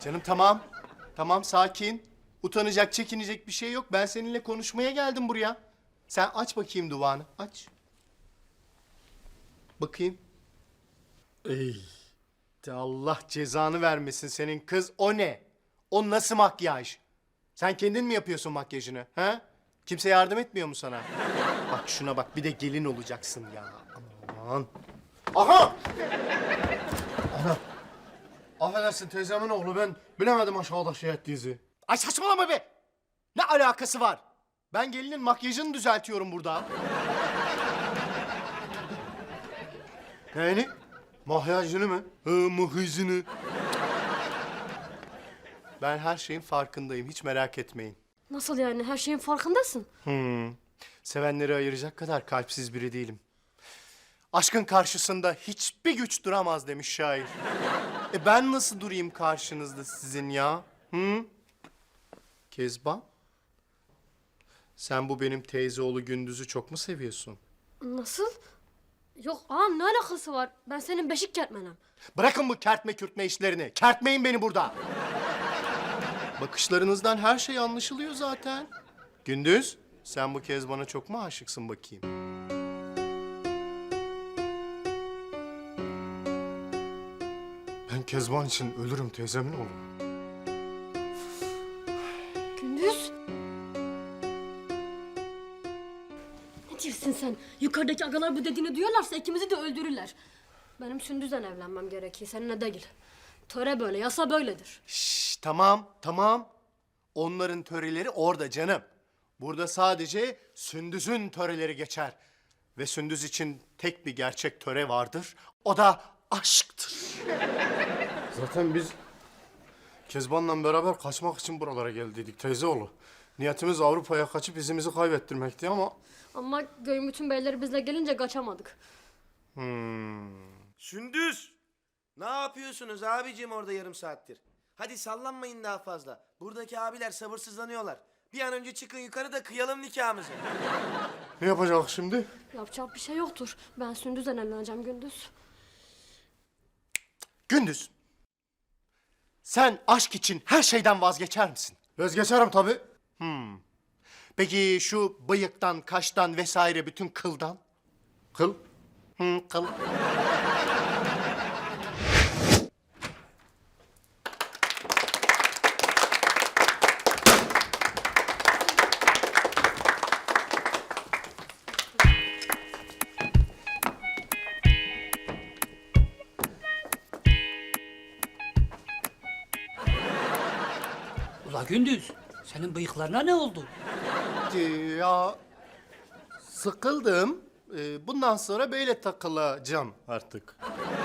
Canım tamam. Tamam sakin. Utanacak, çekinecek bir şey yok. Ben seninle konuşmaya geldim buraya. Sen aç bakayım duvağını. Aç. Bakayım. Ey. De Allah cezanı vermesin senin kız. O ne? O nasıl makyaj? Sen kendin mi yapıyorsun makyajını? Ha? Kimse yardım etmiyor mu sana? Bak şuna bak. Bir de gelin olacaksın ya. Aman. Aha! Ana. Affedersin teyzemin oğlu. Ben bilemedim aşağıda şey ettiğinizi. Ay saçmalama be! Ne alakası var? Ben gelinin makyajını düzeltiyorum burada. Neyini? Makyajını mı? Makyajını. Ben her şeyin farkındayım. Hiç merak etmeyin. Nasıl yani? Her şeyin farkındasın. Sevenleri ayıracak kadar kalpsiz biri değilim. Aşkın karşısında hiçbir güç duramaz demiş şair. Ben nasıl durayım karşınızda sizin ya? Kezban? Sen bu benim teyze oğlu Gündüz'ü çok mu seviyorsun? Nasıl? Yok ağam ne alakası var? Ben senin beşik kertmenem. Bırakın bu kertme kürtme işlerini. Kertmeyin beni burada. Bakışlarınızdan her şey anlaşılıyor zaten. Gündüz, sen bu Kezban'a çok mu aşıksın bakayım? Ben Kezban için ölürüm teyzemin oğlu. Gündüz. Ne diyorsun sen? Yukarıdaki agalar bu dediğini duyarlarsa ikimizi de öldürürler. Benim Sündüz'le evlenmem gerekiyor, seninle değil. Töre böyle, yasa böyledir. Şşş, tamam, tamam. Onların töreleri orada canım. Burada sadece Sündüz'ün töreleri geçer. Ve Sündüz için tek bir gerçek töre vardır. O da aşktır. Zaten biz Kezban'la beraber kaçmak için buralara geldiydik teyzeoğlu. Niyetimiz Avrupa'ya kaçıp izimizi kaybettirmekti ama... Ama Göymüt'ün beyleri bizle gelince kaçamadık. Sündüz! Ne yapıyorsunuz abicim orada yarım saattir? Hadi sallanmayın daha fazla. Buradaki abiler sabırsızlanıyorlar. Bir an önce çıkın yukarı da kıyalım nikahımızı. Ne yapacağız şimdi? Yapacak bir şey yoktur. Ben Sündüz'le evleneceğim Gündüz. Gündüz, sen aşk için her şeyden vazgeçer misin? Vazgeçerim tabii. Peki şu bıyıktan, kaştan vesaire bütün kıldan? Kıl? Kıl. Ula Gündüz, senin bıyıklarına ne oldu? Ya sıkıldım. Bundan sonra böyle takılacağım artık.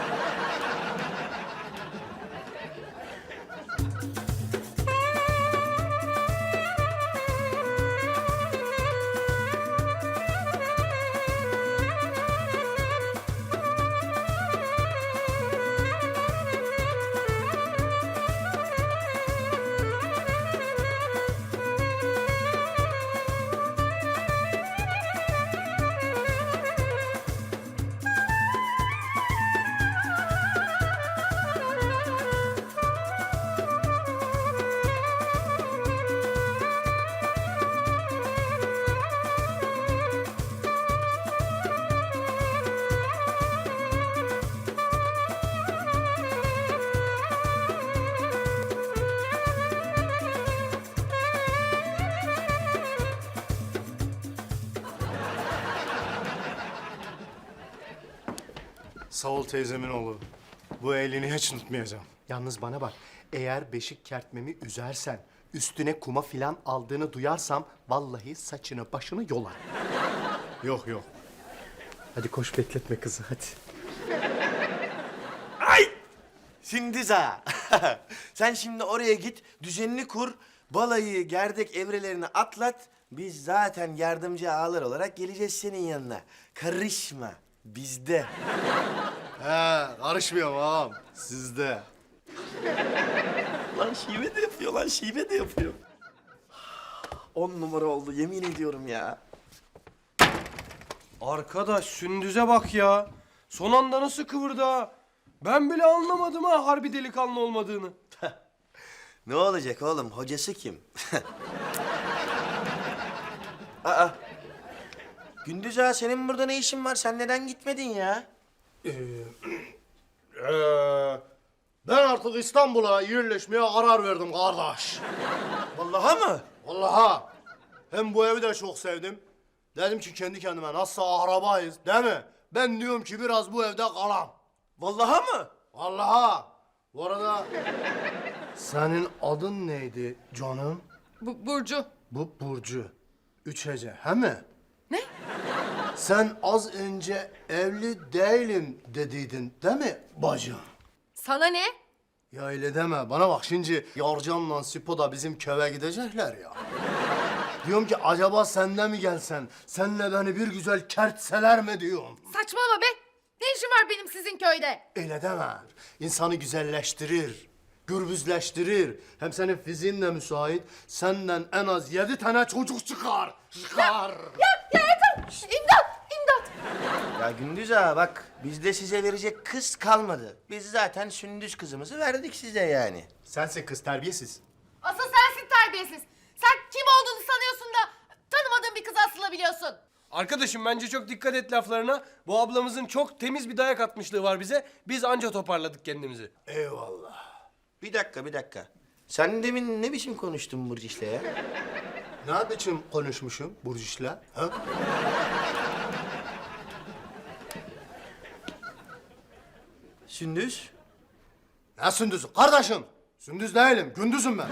Sağ ol teyzemin oğlu. Bu elini hiç unutmayacağım. Yalnız bana bak, eğer beşik kertmemi üzersen, üstüne kuma filan aldığını duyarsam... ...vallahi saçını başını yolar. Yok yok. Hadi koş bekletme kızı hadi. Sündüz ha! Sen şimdi oraya git, düzenini kur, balayı, gerdek evrelerini atlat. Biz zaten yardımcı ağalar olarak geleceğiz senin yanına. Karışma, bizde. He, karışmıyorum ağam. Sizde. Lan şive de yapıyor, lan şive de yapıyor. 10 numara oldu, yemin ediyorum ya. Arkadaş Sündüz'e bak ya. Son anda nasıl kıvırdı ha? Ben bile anlamadım ha harbi delikanlı olmadığını. Ne olacak oğlum? Hocası kim? Aa. Gündüz ağa senin burada ne işin var? Sen neden gitmedin ya? Ben artık İstanbul'a yerleşmeye karar verdim kardeş. Vallahi mı? Vallahi. Hem bu evi de çok sevdim. Dedim ki kendi kendime nasıl arabayız değil mi? Ben diyorum ki biraz bu evde kalam. Vallahi mı? Vallahi. Bu arada senin adın neydi canım? Burcu. Bu Burcu. 3 hece, he mi? Ne? Sen az önce evli değilim dediydin değil mi bacım? Sana ne? Ya öyle deme. Bana bak şimdi Yarcan'la Sipo da bizim köye gidecekler ya. Diyorum ki acaba sen de mi gelsen? Senle beni bir güzel kertseler mi diyorum. Saçmalama be. Ne işin var benim sizin köyde? Öyle deme. İnsanı güzelleştirir. Gürbüzleştirir. Hem senin fiziğin de müsait. Senden en az 7 tane çocuk çıkar. Çıkar. Ya yeter. İmdat. İmdat. Ya Gündüz ağa bak bizde size verecek kız kalmadı. Biz zaten Sündüz kızımızı verdik size yani. Sensin kız terbiyesiz. Asıl sensin terbiyesiz. Sen kim olduğunu sanıyorsun da tanımadığın bir kıza asılabiliyorsun. Arkadaşım bence çok dikkat et laflarına. Bu ablamızın çok temiz bir dayak atmışlığı var bize. Biz anca toparladık kendimizi. Eyvallah. Bir dakika. Sen demin ne biçim konuştun Burcu'yla ya? Ne biçim konuşmuşum Burcu'yla? Ha? Sündüz? Ne Sündüz'ü? Kardeşim. Sündüz değilim. Gündüz'üm ben.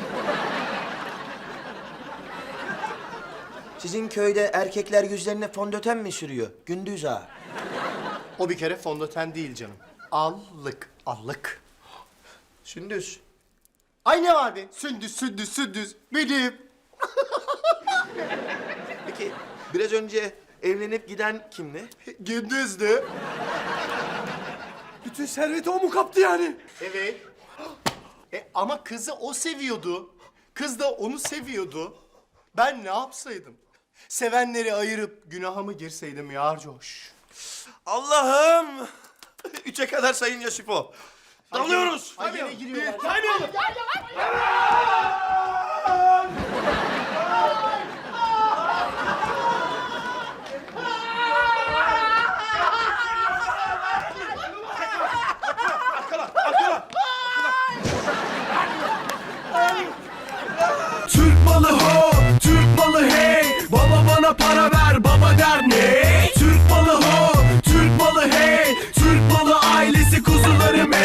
Sizin köyde erkekler yüzlerine fondöten mi sürüyor Gündüz ağa? O bir kere fondöten değil canım. Allık. Allık. Sündüz. Ay ne var be? Sündüz. Benim. Peki biraz önce evlenip giden kimdi? Gündüzdü. Bütün serveti o mu kaptı yani? Evet. Ama kızı o seviyordu. Kız da onu seviyordu. Ben ne yapsaydım? Sevenleri ayırıp günaha mı girseydim Yarcoş? Allah'ım! 3'e kadar sayınca Sipo. Dalıyoruz. Ay yine giriyorlar. Saymayalım.